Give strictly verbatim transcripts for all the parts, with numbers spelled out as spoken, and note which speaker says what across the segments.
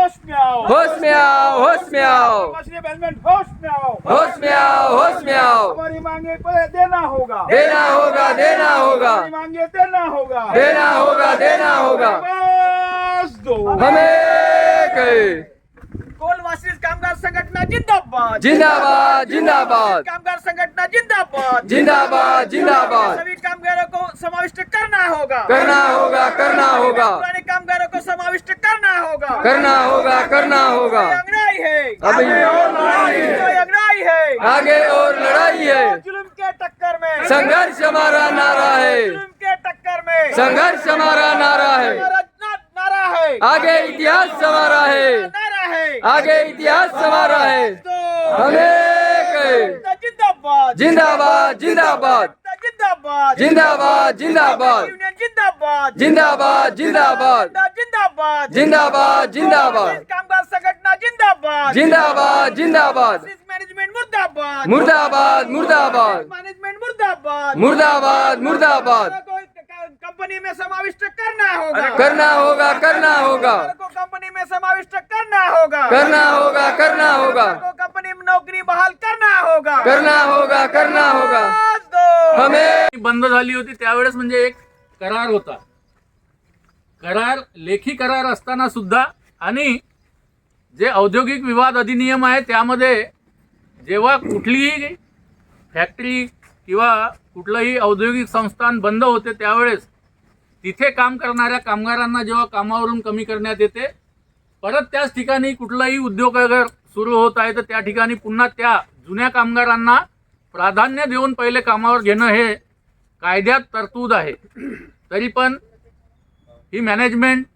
Speaker 1: होश में आओ,
Speaker 2: होश में आओ, होश में आओ,
Speaker 1: मछली मैनेजमेंट होश में आओ,
Speaker 2: होश में आओ, होश में आओ।
Speaker 1: हमारी मांगे पर देना होगा,
Speaker 2: देना होगा, देना होगा,
Speaker 1: हमारी मांगे देना होगा,
Speaker 2: देना होगा, देना होगा।
Speaker 1: बस दो।
Speaker 2: हमें कहे
Speaker 1: कोलवासी कामगार संघटना जिंदाबाद,
Speaker 2: जिंदाबाद, जिंदाबाद,
Speaker 1: कामगार संघटना जिंदाबाद,
Speaker 2: जिंदाबाद, जिंदाबाद।
Speaker 1: सभी कामगारों को समाविष्ट करना होगा,
Speaker 2: करना होगा, करना होगा,
Speaker 1: पुराने कामगारों को समाविष्ट करना होगा,
Speaker 2: करना होगा, करना होगा।
Speaker 1: अंगड़ाई है,
Speaker 2: अभी और लड़ाई है,
Speaker 1: कोई अंगड़ाई है,
Speaker 2: आगे और लड़ाई है।
Speaker 1: जुल्म के टक्कर में
Speaker 2: संघर्ष हमारा नारा है,
Speaker 1: जुल्म के टक्कर में
Speaker 2: संघर्ष हमारा नारा है।
Speaker 1: हमारा ना- नारा है,
Speaker 2: आगे इतिहास हमारा है,
Speaker 1: नारा है,
Speaker 2: आगे इतिहास हमारा है।
Speaker 1: तो
Speaker 2: हमें कहे
Speaker 1: जिंदाबाद,
Speaker 2: जिंदाबाद, जिंदाबाद,
Speaker 1: जिंदाबाद,
Speaker 2: जिंदाबाद, जिंदाबाद,
Speaker 1: यूनियन जिंदाबाद,
Speaker 2: जिंदाबाद, जिंदाबाद,
Speaker 1: जिंदाबाद,
Speaker 2: जिंदाबाद, जिंदाबाद,
Speaker 1: कामगार संघटना जिंदाबाद,
Speaker 2: जिंदाबाद, जिंदाबाद,
Speaker 1: मैनेजमेंट मुर्दाबाद,
Speaker 2: मुर्दाबाद, मुर्दाबाद,
Speaker 1: मैनेजमेंट मुर्दाबाद,
Speaker 2: मुर्दाबाद, मुर्दाबाद।
Speaker 1: कंपनी में समाविष्ट करना होगा,
Speaker 2: करना होगा, करना होगा,
Speaker 1: को कंपनी में समाविष्ट करना होगा,
Speaker 2: करना होगा, करना होगा,
Speaker 1: को कंपनी में नौकरी बहाल करना होगा,
Speaker 2: करना होगा, करना होगा।
Speaker 1: दो।
Speaker 2: हमें
Speaker 3: बंद झाली होती त्यावेळेस म्हणजे एक करार होता. करार लेखी करार असताना सुद्धा आणि जे औद्योगिक विवाद अधिनियम आहे त्यामध्ये जेव्हा कुठलीही फॅक्टरी किंवा कुठलंही औद्योगिक संस्थान बंद होते त्यावेळेस तिथे काम करणाऱ्या कामगारांना जेव्हा कामावरून कमी करण्यात येते, परत त्याच ठिकाणी कुठलाही उद्योग अगर सुरू होत आहे तर त्या ठिकाणी पुन्हा त्या जुन्या कामगारांना प्राधान्य देऊन पहिले कामावर घेणं हे कायद्यात तरतूद आहे. तरी पण ही मॅनेजमेंट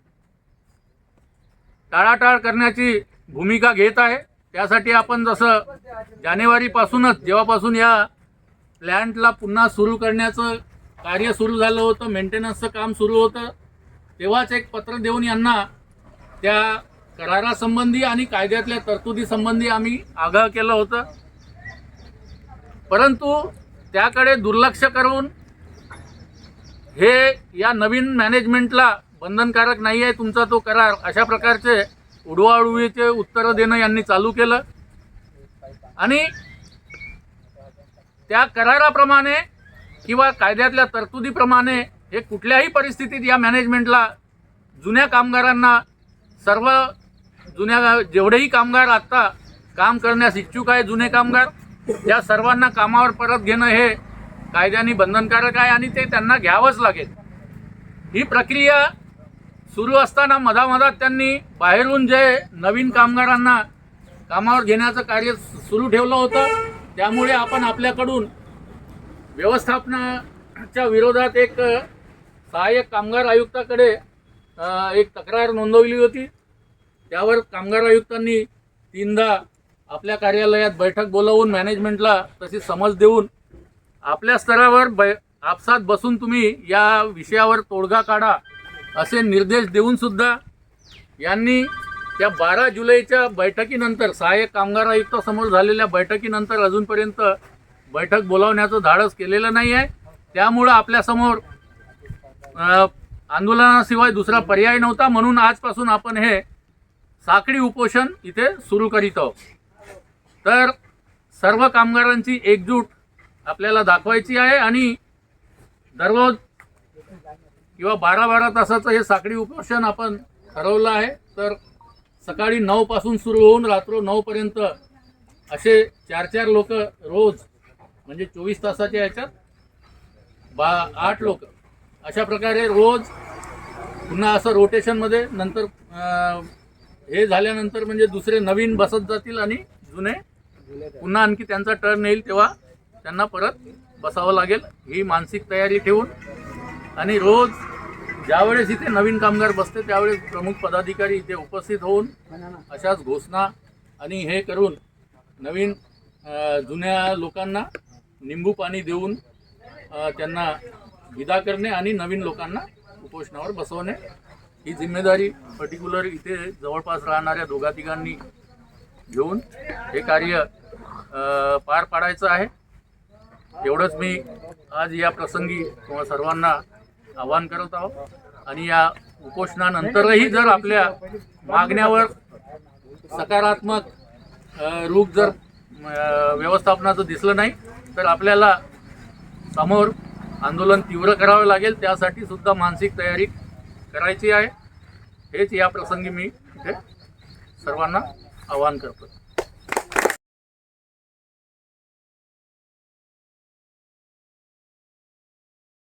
Speaker 3: टाळाटाळ करण्याची भूमिका घेत आहे. त्यासाठी आपण जसं जानेवारीपासूनच जेव्हापासून या प्लॅन्टला पुन्हा सुरू करण्याचं कार्य सुरू झालं होतं, मेंटेनन्सचं काम सुरू होतं, तेव्हाच एक पत्र देऊन यांना त्या करारासंबंधी आणि कायद्यातल्या तरतुदीसंबंधी आम्ही आगाह केलं होतं. परंतु त्याकडे दुर्लक्ष करून हे या नवीन मॅनेजमेंटला बंधनकारक नाही आहे तुमचा तो करार, अशा प्रकारचे उडवाउडवीचे उत्तरं देणं यांनी चालू केलं. आणि त्या कराराप्रमाणे किंवा कायद्यातल्या तरतुदीप्रमाणे हे कुठल्याही परिस्थितीत या मॅनेजमेंटला जुन्या कामगारांना, सर्व जुन्या जेवढेही कामगार आत्ता काम करण्यास इच्छुक आहे जुने कामगार, त्या सर्वांना कामावर परत घेणं हे कायद्याने बंधनकारक आहे आणि ते त्यांना घ्यावंच लागेल. ही प्रक्रिया सुरू असताना मधामधात त्यांनी बाहेरून जे नवीन कामगारांना कामावर घेण्याचं कार्य सुरू ठेवलं होतं, त्यामुळे आपण आपल्याकडून व्यवस्थापनाच्या विरोधात एक सहाय्यक कामगार आयुक्ताकडे एक तक्रार नोंदवली होती. त्यावर कामगार आयुक्तांनी तीनदा आपल्या कार्यालयात बैठक बोलावून मॅनेजमेंटला तशी समज देऊन आपल्या स्तरावर बै आपसात बसून तुम्ही या विषयावर तोडगा काढा असे निर्देश देऊन सुद्धा यांनी त्या बारा जुलैच्या बैठकीनंतर, सहाय्यक कामगार आयुक्तासमोर झालेल्या बैठकीनंतर अजूनपर्यंत बैठक बोलावण्याचं धाडस केलेलं नाही आहे. त्यामुळं आपल्यासमोर आंदोलनाशिवाय दुसरा पर्याय नव्हता, म्हणून आजपासून आपण हे साखळी उपोषण इथे सुरू करीत आहोत. तर सर्व कामगारांची एकजूट आपल्याला दाखवायची आहे आणि दररोज किंवा बारा बारा तासाचं हे साखळी उपोषण आपण ठरवलं आहे. तर सकाळी नऊ पासून सुरू होऊन रात्र नऊ पर्यंत असे चार चार लोक रोज, म्हणजे चोवीस तासाच्या ह्याच्यात बा आठ लोक अशा प्रकारे रोज पुन्हा असं रोटेशनमध्ये नंतर हे झाल्यानंतर म्हणजे दुसरे नवीन बसत जातील आणि जुने पुन्हा आणखी त्यांचा टर्न येईल तेव्हा त्यांना परत बसावं लागेल, ही मानसिक तयारी ठेवून. आणि रोज ज्यावेळेस इथे नवीन कामगार बसते त्यावेळेस प्रमुख पदाधिकारी इथे उपस्थित होऊन अशाच घोषणा आणि हे करून नवीन जुन्या लोकांना निंबू पाणी देऊन त्यांना विदा करणे आणि नवीन लोकांना उपोषणावर बसवणे, ही जिम्मेदारी पर्टिक्युलर इथे जवळपास राहणाऱ्या दोघा तिघांनी घेऊन हे कार्य पार पाडायचं आहे. एवढंच मी आज या प्रसंगी तुम्हा सर्वांना आवाहन करत आहोत. आणि या उपोषणानंतरही जर आपल्या मागण्यावर सकारात्मक अ, रूप जर अ, व्यवस्थापनाचं दिसलं नाही तर आपल्याला समोर आंदोलन तीव्र करावं लागेल. त्यासाठी सुद्धा मानसिक तयारी करायची आहे. हेच या प्रसंगी मी इथे सर्वांना आवाहन करतो.